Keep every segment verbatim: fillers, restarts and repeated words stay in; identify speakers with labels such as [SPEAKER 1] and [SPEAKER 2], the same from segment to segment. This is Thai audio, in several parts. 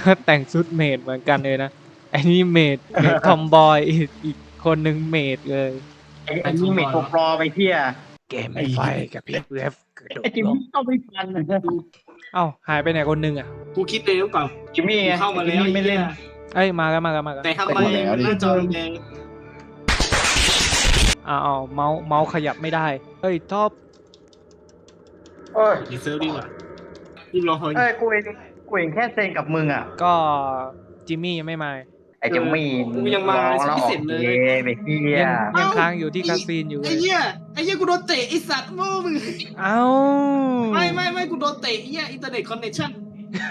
[SPEAKER 1] ก็แต่งชุดเมดเหมือนกันเลยนะไอ้นี่เมดเมดทอมบอยอีกอีกคนหนึ่งเมดเลย
[SPEAKER 2] ไอ้ไอ้นี่เมทตัวปลอไปเที่ย
[SPEAKER 1] เกมไม่ไฟกับพี่เวฟกระโดด
[SPEAKER 2] ไอ้จิม
[SPEAKER 1] ลง
[SPEAKER 2] มี่ก็ไม่ทันนะ
[SPEAKER 1] เอ้าหายไปไหนคนหนึงอ่ะ
[SPEAKER 3] กูคิดเลยหรือเปล่า
[SPEAKER 2] จิมมี่
[SPEAKER 3] กูเข้ามาแล้ว
[SPEAKER 2] จิมี่ไม่เล่น
[SPEAKER 1] เอ้ยมากันมากันมากัน
[SPEAKER 3] แต่ทำไมหน้าจอแดง
[SPEAKER 1] อ้าวอ้าวเมาส์เมาส์ขยับไม่ได้เฮ้ยท็อป
[SPEAKER 2] เอ้ย
[SPEAKER 3] ดีเซลดีกว่ารีบรอเฮ้ย
[SPEAKER 2] เอ้ยกูเองกูเองแค่เซ็นกับมึงอ่ะ
[SPEAKER 1] ก็จิมมี่ยังไม่มา
[SPEAKER 2] ไอ้จิมมี่
[SPEAKER 3] กูยังมา
[SPEAKER 2] ร้องแล้ว
[SPEAKER 3] พิ
[SPEAKER 2] ออ
[SPEAKER 3] เศ
[SPEAKER 2] ก
[SPEAKER 3] ษเลย
[SPEAKER 2] เย่ไปเที่ย
[SPEAKER 1] ยังยังค้างอยู่ที่คาซีนอยู่เล
[SPEAKER 3] ไอ้
[SPEAKER 1] ย
[SPEAKER 3] เหี้ยไอ้เหี้ยกูโดนเตะไอ้สัตว์โม่มึง
[SPEAKER 1] เอ้า
[SPEAKER 3] ไม่ไม่ไม่กูโดนเตะไอ้เหี้ยอินเทอร์เน็ตคอนเนคชั่น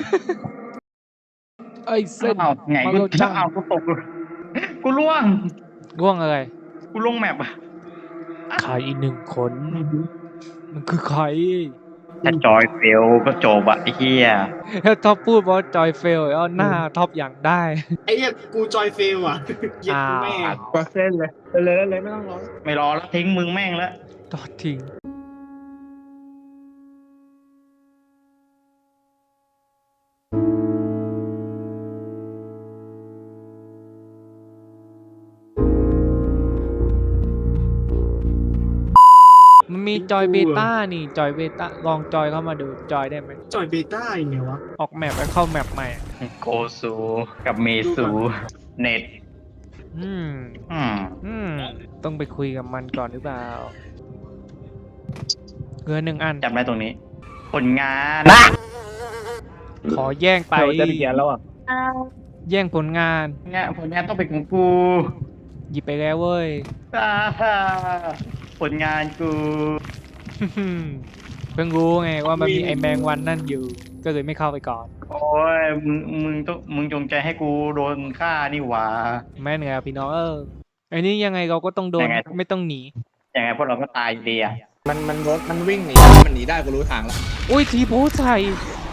[SPEAKER 1] เอ้ยเส้น
[SPEAKER 2] เอาไงกู
[SPEAKER 1] เอาจัง
[SPEAKER 2] เอากูตกกูล่วง
[SPEAKER 1] ร่วงอะไร
[SPEAKER 2] กูลงแมปอ่ะ
[SPEAKER 1] ใครอีกหนึ่งคน มันคือใคร
[SPEAKER 2] ถ้าจอยเฟลก็จบอ่ะไอ้เหี้ย
[SPEAKER 1] ถ้าท็อปพูดว่าจอยเฟลเอาหน้าท็อปอย่างได้
[SPEAKER 3] ไอ้เหี้ยกูจอยเฟลอ่ะเหี้ยแม่
[SPEAKER 4] ก็เส้นเลยเลยเลยไม่ต้องรอ
[SPEAKER 2] ไม่รอแล้วทิ้งมึงแม่งแล้ว
[SPEAKER 1] ทอดทิ้งมันมีจอยเบต้านี่จอยเบต้าลองจอยเข้ามาดูจอยได้ไหม
[SPEAKER 3] จอยเบต้ายังไงวะ
[SPEAKER 1] ออกแมปแล้วเข้าแมปใหม่อะ
[SPEAKER 2] โกซูกับเมซูเน็ต
[SPEAKER 1] อืม
[SPEAKER 2] อืม
[SPEAKER 1] อืม ต้องไปคุยกับมันก่อนหรือเปล่าเงินหนึ่งอัน
[SPEAKER 2] จำได้ตรงนี้ ผลงาน
[SPEAKER 1] ขอแย่งไป
[SPEAKER 4] เราจะเขียนแล้วอ่ะ
[SPEAKER 1] แย่งผลงาน
[SPEAKER 2] งานผลงานต้องเป็นของกู
[SPEAKER 1] หยิบไปแล้วเว้ย
[SPEAKER 2] อ่าฮ่าผลงานกู
[SPEAKER 1] เพิ่งรู้ไงว่ามันมีไอแมงวันนั่นอยู่ ก็เลยไม่เข้าไปก่อน
[SPEAKER 2] โอ้ยมึงมึงต้องมึงจงใจให้กูโดนฆ่านี่หว่า
[SPEAKER 1] แม่นไงพี่น้องเออไอ้นี่ยังไงเราก็ต้องโดน
[SPEAKER 2] ยังไง
[SPEAKER 1] ไม่ต้องหนี
[SPEAKER 2] ยังไงพวกเราก็ตายอยู่ดีอ่ะ
[SPEAKER 4] มันมันรถมันวิ่งหนีมันหนีได้กูรู้ทางแล้ว
[SPEAKER 1] อุ้ยทีโพสใส่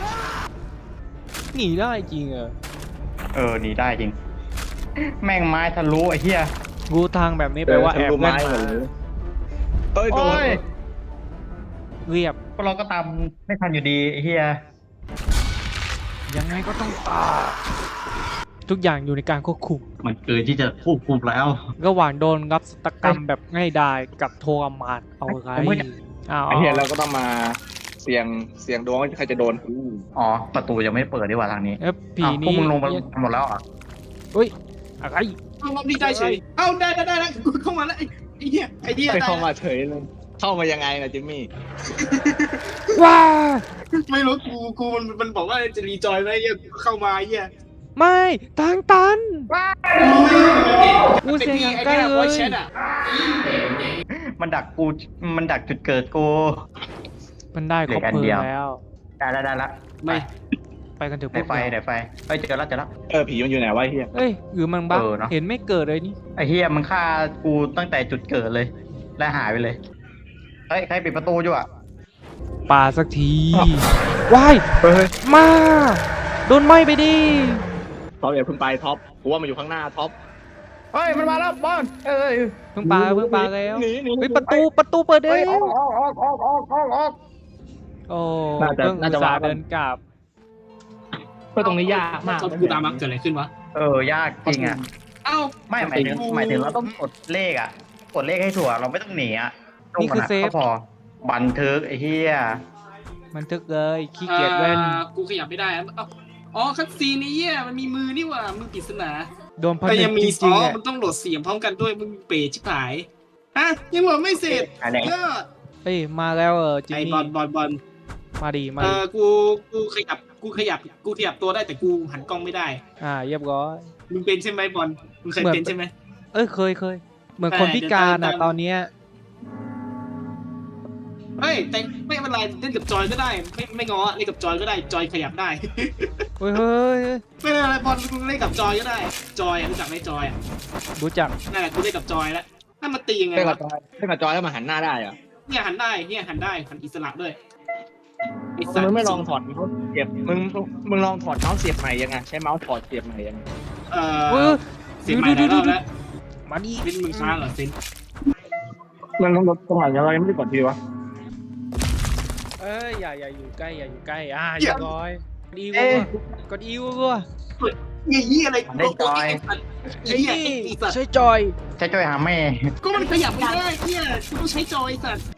[SPEAKER 1] หนีได้จริงเหรอ
[SPEAKER 2] เออหนีได้จริง แม่งไม้ทะลุไอ้เหี้ย
[SPEAKER 1] รู้ทางแบบนี้แปลว่าแอบ
[SPEAKER 4] รู้
[SPEAKER 1] เล่
[SPEAKER 4] ไม้
[SPEAKER 1] น
[SPEAKER 4] หม
[SPEAKER 1] มา
[SPEAKER 4] ดเลยเอ้ยโด
[SPEAKER 2] โอ้
[SPEAKER 4] น
[SPEAKER 2] ย
[SPEAKER 1] เรียบ
[SPEAKER 2] พวกเราก็ตามไม่ทันอยู่ดีไอ้เหี้ย
[SPEAKER 1] ยังไงก็ต้องตายทุกอย่างอยู่ในการควบคุม
[SPEAKER 3] มันเกินที่จะควบคุมแล้ว
[SPEAKER 1] ระหว่างโดนรับสตกรรมแบบง่ายดายกับโทรมานเอาไรอ้าว
[SPEAKER 4] ไอ้เหี้ยเราก็ต้องมาเสี่ยงเสี่ยงดวงว่าใครจะโดน
[SPEAKER 2] อ๋อประตูยังไม่เปิดดีกว่าทางนี้
[SPEAKER 1] เอ้ยผี
[SPEAKER 2] อ้าวพว
[SPEAKER 1] นี่
[SPEAKER 2] กมึงลงมาหมดแล้วเหรอ่ะ
[SPEAKER 1] อุ้ยอะไร
[SPEAKER 3] เอารอบนี้ได้เฉยเอ้าได้ได้ได้แล้วกูเข้ามาแล้วไอ้ไอ้เหี้ยไอ้เหี้ย
[SPEAKER 4] ไป
[SPEAKER 3] ได้
[SPEAKER 4] เข้ามาเฉยเลยเข้ามายังไงนะจิมมี่
[SPEAKER 1] ว้า
[SPEAKER 3] ไม่รู้กูกูมันมันบอกว่าจะรีจอยไหมไอ้เหี้ยกูเข้ามาไอ้เหี้ย
[SPEAKER 1] ไม่ทางตัน
[SPEAKER 3] กูเสียงไอ้เนี่ยวอยแชทอ่ะ
[SPEAKER 2] มันดักกูมันดักจุดเกิดกู
[SPEAKER 1] มันได้ครบ
[SPEAKER 2] เหลืออัน
[SPEAKER 1] เพลิ
[SPEAKER 2] เดี
[SPEAKER 1] ง
[SPEAKER 2] ยว
[SPEAKER 1] แล้ว
[SPEAKER 2] ได้แล้วได้แล้ว
[SPEAKER 3] ไม่
[SPEAKER 1] ไปกันเถอะพ
[SPEAKER 2] ได้
[SPEAKER 1] วก
[SPEAKER 2] ไฟ
[SPEAKER 1] เรา
[SPEAKER 2] ได้ไฟเอ้ยเจอแล้วเจอแล้ว
[SPEAKER 4] เออผีมันอยู่ไหนวะไอ้เหี้ย
[SPEAKER 1] เอ้ยหรือมันบั๊ก
[SPEAKER 2] เออเนอะ
[SPEAKER 1] เห็นไม่เกิดเลยนี่
[SPEAKER 2] ไอ้เฮียมึงฆ่ากูตั้งแต่จุดเกิดเลย และหายไปเลยเฮ้ยใครปิดประตูอยู่อ่ะ
[SPEAKER 1] ป่าสักทีว้าย
[SPEAKER 4] เฮ้ย
[SPEAKER 1] มาโดนไหม้ไปดิ
[SPEAKER 4] ท็อปอย่าเพิ่งไปท็อปกูว่ามันอยู่ข้างหน้าท็อป
[SPEAKER 2] เฮ้ยมันมาแล้วบอลเอ้ย
[SPEAKER 1] เพิ่งปาเพิ่งปาแล้ว
[SPEAKER 4] หนีหนี
[SPEAKER 1] เฮ้ยประตูประตูเปิดเอ
[SPEAKER 2] เฮ้ย
[SPEAKER 1] ง
[SPEAKER 2] ออกออกออกออกออกออกออก
[SPEAKER 1] โอ้
[SPEAKER 4] น่าจะ
[SPEAKER 1] เพิ่ง
[SPEAKER 4] น่า
[SPEAKER 1] อุต
[SPEAKER 4] จะ
[SPEAKER 1] ส่าห์
[SPEAKER 4] วาง
[SPEAKER 1] เดินกลับ
[SPEAKER 4] เพื่อตรงนี้ยากมาก
[SPEAKER 3] กูตามมาเกิดอะไรขึ้นวะ
[SPEAKER 2] เออยากจริงอ่ะ
[SPEAKER 3] เอ้า
[SPEAKER 2] ไม่หมายถึงหมายถึงเราต้องกดเลขอ่ะ กดเลขให้ถั่วเราไม่ต้องหนีอ่ะ
[SPEAKER 1] นี่คือเซฟ
[SPEAKER 2] ก็พอบันทึกไอ้เหี้ย
[SPEAKER 1] มันทึกเลยขี้เกียจเล่น
[SPEAKER 3] อ่ากูขยับไม่ได้อะเอ้าอ๋อคัตซีนนี้เหี้ยมันมีมือนี่หว่ามือปริศนา
[SPEAKER 1] โดนพัน
[SPEAKER 3] แต่
[SPEAKER 1] ธุ์
[SPEAKER 3] ยังมี
[SPEAKER 1] จ
[SPEAKER 3] อ๋
[SPEAKER 1] ริง
[SPEAKER 3] อ
[SPEAKER 1] ๆอ่ะ
[SPEAKER 3] มันต้องโหลดเสียงพร้อมกันด้วยมึงเป๋ชิบหายฮะยังโหลดไม่เสร็จ
[SPEAKER 2] อันไหน
[SPEAKER 3] เลิศ
[SPEAKER 1] เฮ้ยมาแล้วเออจิม
[SPEAKER 3] ไอ้
[SPEAKER 1] มี่
[SPEAKER 3] บอลบอลบอล
[SPEAKER 1] มาดีมา
[SPEAKER 3] เอ
[SPEAKER 1] ดี
[SPEAKER 3] อกูกูขยับกูขยับกูขยับตัวได้แต่กูหันกล้องไม่ได้
[SPEAKER 1] อ่าเรียบร้อย
[SPEAKER 3] มึงเป็นใช่ไหมบอลมึงเคย
[SPEAKER 1] เหมือน
[SPEAKER 3] เป็นใช่ไหม
[SPEAKER 1] เอ้ยเคยเคยเหมือนคนพิการอ่ะ
[SPEAKER 3] เดี๋ยวตาม
[SPEAKER 1] ตอนเนี้ย
[SPEAKER 3] เฮ้ยแต่ไม่เป็นไรเล่นกับจอยก็ได้ไม่ไม่ง้อเล่นกับจอยก็ได้จอยขยับได้
[SPEAKER 1] เฮ้ยเฮ้ยเฮ้ย
[SPEAKER 3] ไม่เป็นไรบอลมึงเล่นกับจอยก็ได้จอยอะรู้จักไหมจอยอะ
[SPEAKER 1] รู้จัก
[SPEAKER 3] นั่นแหละกูเล่นกับจอยแล้วถ้ามาตียังไง
[SPEAKER 4] เล่นกั
[SPEAKER 3] วะ
[SPEAKER 4] บจอยเล่นกับจอยแล้วมาหันหน้าได้เหรอ
[SPEAKER 3] เนี่ยหันได้เนี่ยหันได้หันอิสระด้วยไอ้สัต
[SPEAKER 4] มึง
[SPEAKER 3] ว์
[SPEAKER 4] ไม่ลองถอดเมาส์เสียบมึงมึงลองถอดเมาส์เสียบใหม่ยังไงใช้เมาส์ถอดเสียบใหม่ยังไง
[SPEAKER 3] เอ่
[SPEAKER 1] เฮ้
[SPEAKER 3] อย เสียงใหม่หลายรอบแล้ว
[SPEAKER 1] มาดิ
[SPEAKER 3] เซนมึงค้างเหรอเซน
[SPEAKER 4] มันต้องลดตรงไหนยังไงไม่ได้กดทีวะ
[SPEAKER 1] เอ้ยอย่าอย่าอยู่ใกล้อย่าอยู่ใกล้อ่าเรียบร้อยอีว
[SPEAKER 2] เอ๊ะ
[SPEAKER 1] กดอีวก็
[SPEAKER 3] ไอ้เหี้ยอะไร
[SPEAKER 2] ได้จอย
[SPEAKER 3] ไอ้เหี้ยไอ้สัตว์
[SPEAKER 1] ใช้จอย
[SPEAKER 2] ใช้จอยหาแม่
[SPEAKER 3] ก็มันขยับไม่ได้เหี้ยกูต้องใช้จอยสัตว์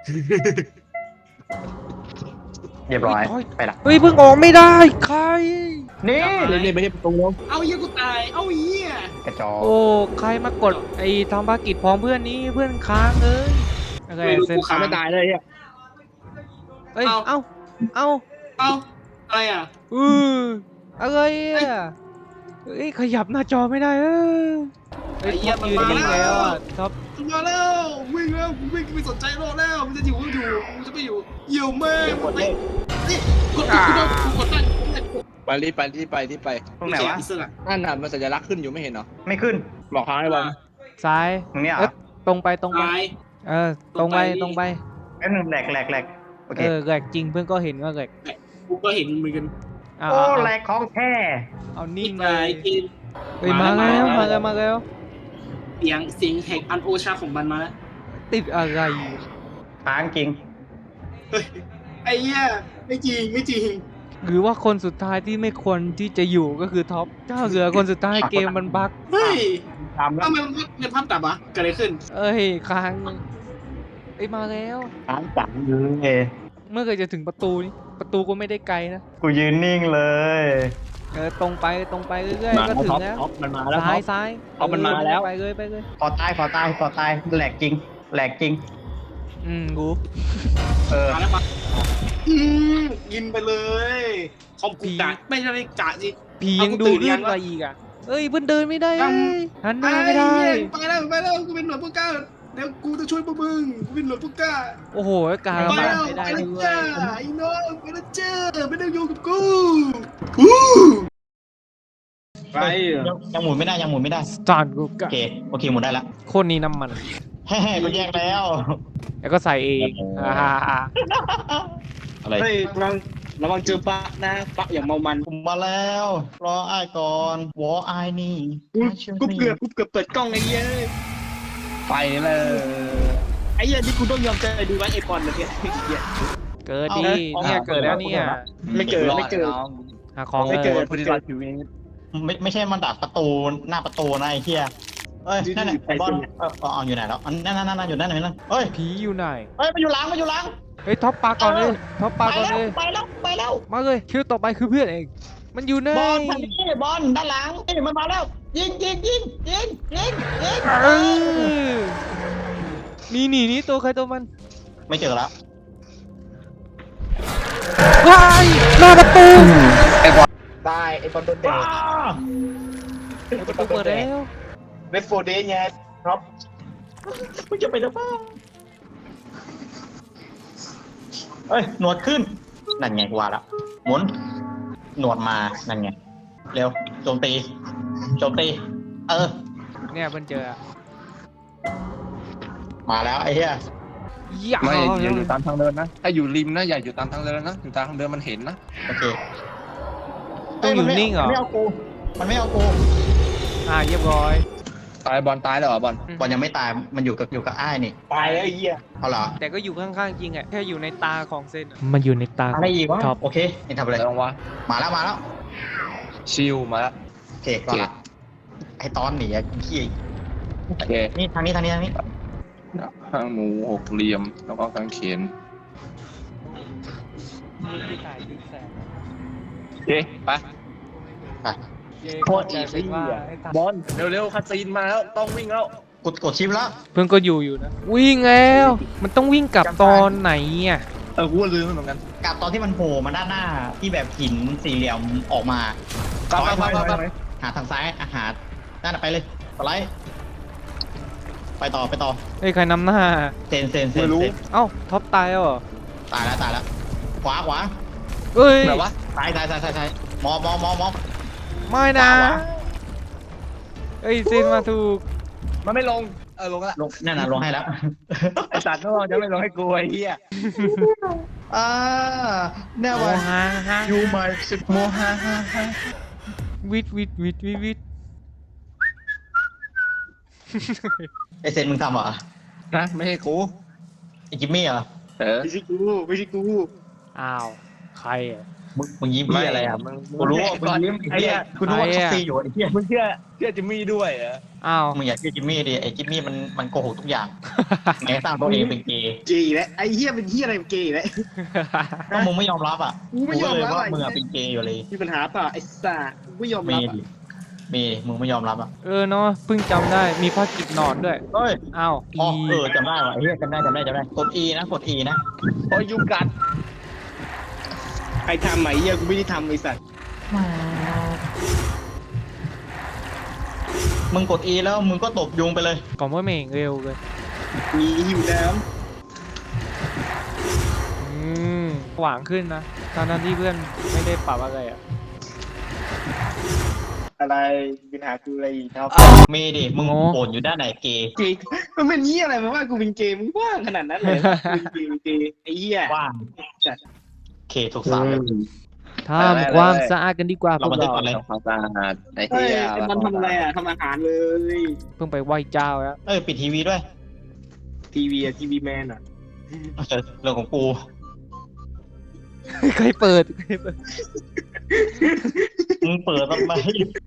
[SPEAKER 2] เรียบร้อยไปละ
[SPEAKER 1] เฮ้ยเพิ่งออกไม่ได้ใคร
[SPEAKER 2] นี่
[SPEAKER 4] เล่นไปที่ประตูแล้ว
[SPEAKER 3] เอาเหี้ยกูตายเอาเหี้ย
[SPEAKER 2] กระจอก
[SPEAKER 1] โอ้ใครมากดไอ้ทำภารกิจพร้อมเพื่อนนี้เพื่อนค้างเลยอะไรเซน
[SPEAKER 4] ขาไม่ตายเลยอ่ะ
[SPEAKER 1] เอ้ยเอ้าเอ้า
[SPEAKER 3] เอาอะไรอ่ะ
[SPEAKER 1] อืออะไรอ่ะเอ้ยขยับหน้าจอไม่ได้เออเอ้ยท็อปยืนนิ่งแล้วอ่ะท็อป
[SPEAKER 3] มาแล้ววิ่งแล้ววิ่งไม่สนใจโลกแล้วมันจะอยู่ก็อยู่มันจะไม่อยู่เหี่ยวแม่มันไม่นี่กดกดกดกดตั้ง
[SPEAKER 4] ไปรีบไปที่ไปที่ไป
[SPEAKER 2] ตรงไหนวะ
[SPEAKER 3] อิสระ
[SPEAKER 4] นั่นน่ะมันสัญลักษณ์ขึ้นอยู่ไม่เห็นเหรอ
[SPEAKER 2] ไม่ขึ้น
[SPEAKER 4] บอกทางให้บอล
[SPEAKER 1] ซ้าย
[SPEAKER 2] ตรงเนี้ยเหร
[SPEAKER 1] เอ้
[SPEAKER 2] อย
[SPEAKER 1] ตรงไปตรงไป
[SPEAKER 3] ตาย
[SPEAKER 1] เออตรงไปตรงไป
[SPEAKER 2] แป๊บนึงแหลกแหลกแหลกโอเค
[SPEAKER 1] เออแหลกจริงเพื่อนก็เห็นว่าแหลก
[SPEAKER 3] กูก็เห็นเหมือนกัน
[SPEAKER 1] อ่า
[SPEAKER 2] โอ้
[SPEAKER 1] เอา
[SPEAKER 2] แหลกของแท้
[SPEAKER 1] เอา
[SPEAKER 3] นี่
[SPEAKER 1] นิ่ง
[SPEAKER 3] ไง
[SPEAKER 1] เลย
[SPEAKER 3] กิน
[SPEAKER 1] เฮ้ยมาแล้วมาแล้วมาแล้ว
[SPEAKER 3] เสียงเสียงแห่งอันโอชาของมันมาแล้ว
[SPEAKER 1] ติดอะไร
[SPEAKER 2] ค้างจริง
[SPEAKER 3] เฮ้ยไอ้เหี้ยไม่จริงไม่จริง
[SPEAKER 1] หรือว่าคนสุดท้ายที่ไม่ควรที่จะอยู่ก็คือท็อปเจ้าเหลือคนสุดท้ายเกมมันบั๊ก
[SPEAKER 3] เฮ้ย
[SPEAKER 4] ทำแล้ว
[SPEAKER 3] ทำไมมันเป็นภาพตับวะเกิดอะไรขึ้น
[SPEAKER 1] เอ้ยค้างเอ้ยมาแล้ว
[SPEAKER 2] ค้างจังเลย
[SPEAKER 1] เมื่อไหร่จะถึงประตูนี้ประตูก็ไม่ได้ไกลนะ
[SPEAKER 2] กูยืนนิ่งเลย
[SPEAKER 1] เออตรงไปตรงไปเรื่อย
[SPEAKER 4] มา
[SPEAKER 1] ๆก็ถึง
[SPEAKER 4] ท็อป
[SPEAKER 1] แล้ว
[SPEAKER 4] ท็อปมันมาแล้วท็
[SPEAKER 1] ซ้า
[SPEAKER 4] อย ป
[SPEAKER 1] ซ้าย
[SPEAKER 4] เอามันมาแล้ว
[SPEAKER 1] ไปเลยไปเลย
[SPEAKER 2] ขอตายขอตายขอตายแหลกจริงแหลกจริง
[SPEAKER 1] อืมกู
[SPEAKER 2] เออ
[SPEAKER 3] มาแล้วปะอืมกินไปเลยคอมกูกะไม่ใช่กะสิ
[SPEAKER 1] ผียังดูลื่นกว่าอีกอ่ะเอ้ยเพิ่นเดินไม่ได้
[SPEAKER 3] ยัง
[SPEAKER 1] เอ้ยหันหน้าไม่ได้
[SPEAKER 3] ไปแล้วไปแล้วกูเป็นหน่วยผู้กล้าเดี๋ยวกูจะช่วยพวกมึงกูเป็นหน่วยผู้กล้า
[SPEAKER 1] โอ้โหกลาย
[SPEAKER 3] ไป
[SPEAKER 1] มา
[SPEAKER 3] แล้ว
[SPEAKER 1] ไม่
[SPEAKER 3] ไป
[SPEAKER 1] ได้
[SPEAKER 3] แล้ว
[SPEAKER 1] ด้ว
[SPEAKER 3] จ้าย ไอ้น้องไปแล้วจ้าไม่ต้องอยู่กับกู
[SPEAKER 4] ไป
[SPEAKER 2] ยังยังหมุนไม่ได้ยังหมุนไม่ได้
[SPEAKER 1] สตาร์ทกู
[SPEAKER 2] โอก
[SPEAKER 1] ะ
[SPEAKER 2] เคโอเคหมุนได้ละ
[SPEAKER 1] โคตรนี้น้ำมัน
[SPEAKER 2] เฮ้ยกูแยกแล้ว
[SPEAKER 1] แล้วก็ใส่เอง
[SPEAKER 2] โอ้โห
[SPEAKER 1] อ่า
[SPEAKER 2] อะไร
[SPEAKER 4] เฮ้ยระวังระวังเจอปะนะปะอย่างเมามัน
[SPEAKER 2] ผมมาแล้ว รออ้ายก่อนวออ้ายนี่
[SPEAKER 4] กูกูเกือบกูเกือบเปิดกล้องไอ้เหี้ยไปเลยไอ้เหี้ยนี่กูต้องยอมใจดูไว้ไอ้บอลเลยเนี่ยไอ้เหี้ย
[SPEAKER 1] เกิดดี
[SPEAKER 2] เอา
[SPEAKER 1] เนี่ย
[SPEAKER 2] เอา
[SPEAKER 1] เกิดแล้วเนี่ย
[SPEAKER 4] ไม่เกิดไม่เกิด
[SPEAKER 1] หาของ
[SPEAKER 4] ไม่เกิด
[SPEAKER 1] เลย
[SPEAKER 4] พอดีเราชีวิต
[SPEAKER 2] ไม่ไม่ใช่มันดักประตูหน้าประตูนะไอ้เหี้ยเอ้ยนั่นแหละ
[SPEAKER 4] อยู่
[SPEAKER 2] บอล
[SPEAKER 4] อยู่
[SPEAKER 2] เออเออเอาอยู่ไหนแล้วอันนั่นนั่นนั่นอยู่นั่นอยู่นั่นเฮ้ย
[SPEAKER 1] ผีอยู่ไหน
[SPEAKER 2] เฮ้ยมาอยู่หลังมาอยู่หลัง
[SPEAKER 1] เฮ้ยท็อปปลาก่อนเลยท็อปปลา
[SPEAKER 2] ไป
[SPEAKER 1] ก่อน
[SPEAKER 2] แล้
[SPEAKER 1] เล
[SPEAKER 2] วย ไปแล้วไปแล้ว
[SPEAKER 1] มาเลยคิวต่อไปคือเพื่อนเอง มันอยู่ไหน
[SPEAKER 2] บอลทางนี้บอลด้านหลังนี่มันมาแล้ว ยิงยิงยิงยิงยิงยิง
[SPEAKER 1] เออนี่นี่นี่ตัวใครตัวมัน
[SPEAKER 2] ไม่เจอแล้ว
[SPEAKER 1] ว้ายหน้าประตู
[SPEAKER 4] ตายไอ้บอลโดนเตะ
[SPEAKER 1] ประตูเปิดแล้ว
[SPEAKER 4] เวฟโฟเดย์ไงครับ
[SPEAKER 2] มึงจะไปหรือเปล่าเอ้ยหนวดขึ้นนั่นไงกูว่าแล้วหมุนหนวดมานั่นไงเร็วโจมตีโจมตี เออ
[SPEAKER 1] เนี่ยเพิ่นเจอ
[SPEAKER 2] มาแล้วไอ้เหี้ย
[SPEAKER 1] อย่า
[SPEAKER 5] ไม่อย่าอยู่ตามทางเดินนะ ถ้าอยู่ริมนะอย่าอยู่ตามทางเดินนะอยู่ตามทางเดินมันเห็นนะ
[SPEAKER 2] โอเค
[SPEAKER 1] ต้องอยู่นิ่งเหรอ
[SPEAKER 2] มันไม่เอากูมันไม่เอากู
[SPEAKER 1] อ่าเรียบร้อย
[SPEAKER 5] ตายบอลตายแล้วเหรอบอล
[SPEAKER 2] บอลยังไม่ตายมันอยู่กับอยู่กับอ้ายนี่
[SPEAKER 4] ตายไอ้เหี้ย
[SPEAKER 2] เอาเหรอ
[SPEAKER 1] แต่ก็อยู่ข้างๆจริงอ่ะแค่อยู่ในตาของเซนมันอยู่ในตา
[SPEAKER 2] อะไรอีกวะ
[SPEAKER 1] ท็อป
[SPEAKER 2] โอเคนี่ทำอะไร
[SPEAKER 5] ลองวะ
[SPEAKER 2] มาแล้วมาแล้ว
[SPEAKER 5] ชิลมาแล้ว
[SPEAKER 2] โอเคก่อนละไอ้ตอนหนีอะขี้
[SPEAKER 5] โอเค
[SPEAKER 2] นี่ทางนี้ทางนี้ทางนี้
[SPEAKER 5] ข้างหมูหกเหลี่ยมแล้วก็กางเขนโอเคไป
[SPEAKER 2] ไป
[SPEAKER 4] โคตรอีซี่อ่ะบอล
[SPEAKER 5] เร็วๆคาซีนมาแล้วต้องวิ่งแล้ว
[SPEAKER 2] กดกดชิปแล้ว
[SPEAKER 1] เพื่อนก็อยู่อยู่นะวิ่งแล้วมันต้องวิ่งกลับตอนไหนอ่ะ
[SPEAKER 5] เออกูก็ลืมเหมือนกัน
[SPEAKER 2] กับตอนที่มันโผล่มาด้านหน้าที่แบบหินสี่เหลี่ยมออกมา
[SPEAKER 5] ไปไปไปไปไป
[SPEAKER 2] หาทางซ้ายอาหารนั่นนะไปเลยสไลด์ไปต่อไปต่อ
[SPEAKER 1] เฮ้ยใครนำหน้า
[SPEAKER 2] เซนเซนเซนเซน
[SPEAKER 1] เอ้าท็อปตายแล้วเหรอ
[SPEAKER 2] ตายแล้วตายแล้วขวาขวา
[SPEAKER 1] เอ้ย
[SPEAKER 5] แบบว่า
[SPEAKER 2] ซ้ายซ้ายซ้ายซ้ายซ้ายมองมองมองมอง
[SPEAKER 1] ไม่นะ
[SPEAKER 2] ขวา
[SPEAKER 1] เอ้ยเซนมาถูก
[SPEAKER 5] มันไม่ลงเออลงแล้ว
[SPEAKER 2] ลงนั่นน่ะลงให้แล้ว
[SPEAKER 4] ไอ้สัตว์นอกจะไม่ลงให้กูไอ้เหี้ย
[SPEAKER 2] อ่าแน่
[SPEAKER 1] โม
[SPEAKER 2] ว่า
[SPEAKER 1] ฮาฮา
[SPEAKER 2] ยูมาสิบโมฮาฮาฮา
[SPEAKER 1] วิดวิดวิดวิดวิด
[SPEAKER 2] ไอเซนมึงทำเหรอ
[SPEAKER 5] นะไม่ให้กู
[SPEAKER 2] ไอจิมมี่เหรอ
[SPEAKER 5] เออ
[SPEAKER 4] ไม่ใช่กูไม่ใช่กู
[SPEAKER 1] อ้าวใครอ่ะ
[SPEAKER 2] มึงมึงยิ้มเหี้ยอะไรอ่ะ
[SPEAKER 5] มึง
[SPEAKER 2] กูรู้ว่ามึงยิ้มไอ้เหี้ยกูรู้ว่าเขาซีอยู่ไอ้เหี้ย
[SPEAKER 5] มึงเชื่อเชื่อจิมมี่ด้วยเหรอ
[SPEAKER 1] อ้าว
[SPEAKER 2] มึงอย่าเชื่อจิมมี่ดิไอ้จิมมี่มันมันโกหกทุกอย่างแกสร้างตัวเองเป็นเกย์
[SPEAKER 3] เกย์แล้วไอ้เหี้ยเป็นเหี้ยอะไรเกย์แล้ว
[SPEAKER 2] ก็มึงไม่ยอมรับอ่ะ
[SPEAKER 3] กูไม่ยอมรับ
[SPEAKER 2] กูก็เลยว่า
[SPEAKER 3] อ่ะ
[SPEAKER 2] มึงอ่ะเป็นเกย์อยู่เลย
[SPEAKER 3] มีปัญหาเปล่าไอ้สัสกูไม่ยอม
[SPEAKER 2] มี
[SPEAKER 3] รับ
[SPEAKER 2] ดิมีมึงไม่ยอมรับอ่ะ
[SPEAKER 1] เออเนาะเพิ่งจำได้มีภาคกิจนอนด้วย
[SPEAKER 2] เฮ้ย
[SPEAKER 1] อ้าว
[SPEAKER 2] อ๋อ
[SPEAKER 1] อี
[SPEAKER 2] เออจำได้ว่ะไอ้เหี้ยจำได้จำได้จำได้กด E นะกด E นะ
[SPEAKER 5] โอ้ยยุงกัด
[SPEAKER 3] ไอ้ทำไหมเหี้ยกูไม่ได้ทำไอ้สัส
[SPEAKER 2] มึงกด E แล้วมึงก็ตบยุงไปเลย
[SPEAKER 1] ก่อนว่าเมงเร็วเลย
[SPEAKER 3] มีหิวน้
[SPEAKER 1] อืมหวางขึ้นนะตอนนั้นที่เพื่อนไม่ได้ปรับอะไรอ่ะ
[SPEAKER 3] ำอะไรมีปัญหาคืออะไรอีกครับ
[SPEAKER 2] มีดิมึงโอนอยู่ด้านไหนเกย์
[SPEAKER 3] เกย์มันเป็นเหี้ยอะไรมาว่ากูเป็นเกย์มึงว่างขนาดนั้นเลยเป็นเกย์เป็นเกย์ไอ้เหี้ย
[SPEAKER 2] ว่าง
[SPEAKER 3] จัด
[SPEAKER 2] เคถูกสามเลย
[SPEAKER 1] ทำความสะอาดกันดีกว่าพ
[SPEAKER 2] เรา
[SPEAKER 1] วก
[SPEAKER 2] บันทึก
[SPEAKER 1] เรา
[SPEAKER 2] ก่อนเลย
[SPEAKER 5] ทำความสะอาดไอ้
[SPEAKER 3] เฮ้
[SPEAKER 5] เหี้
[SPEAKER 3] ย
[SPEAKER 5] ย
[SPEAKER 3] ไอ้มันทำอะไรอ่ะทำอาหารเลย
[SPEAKER 1] เพิ่งไปไหว้เจ้าแล้ว
[SPEAKER 2] เอ้ยปิดทีวีด้วย
[SPEAKER 3] ทีวีอะทีวีแมนอ่ะ
[SPEAKER 2] เรื่องของกู
[SPEAKER 1] ใครเปิดใครเปิด
[SPEAKER 2] มึงเปิดทำไม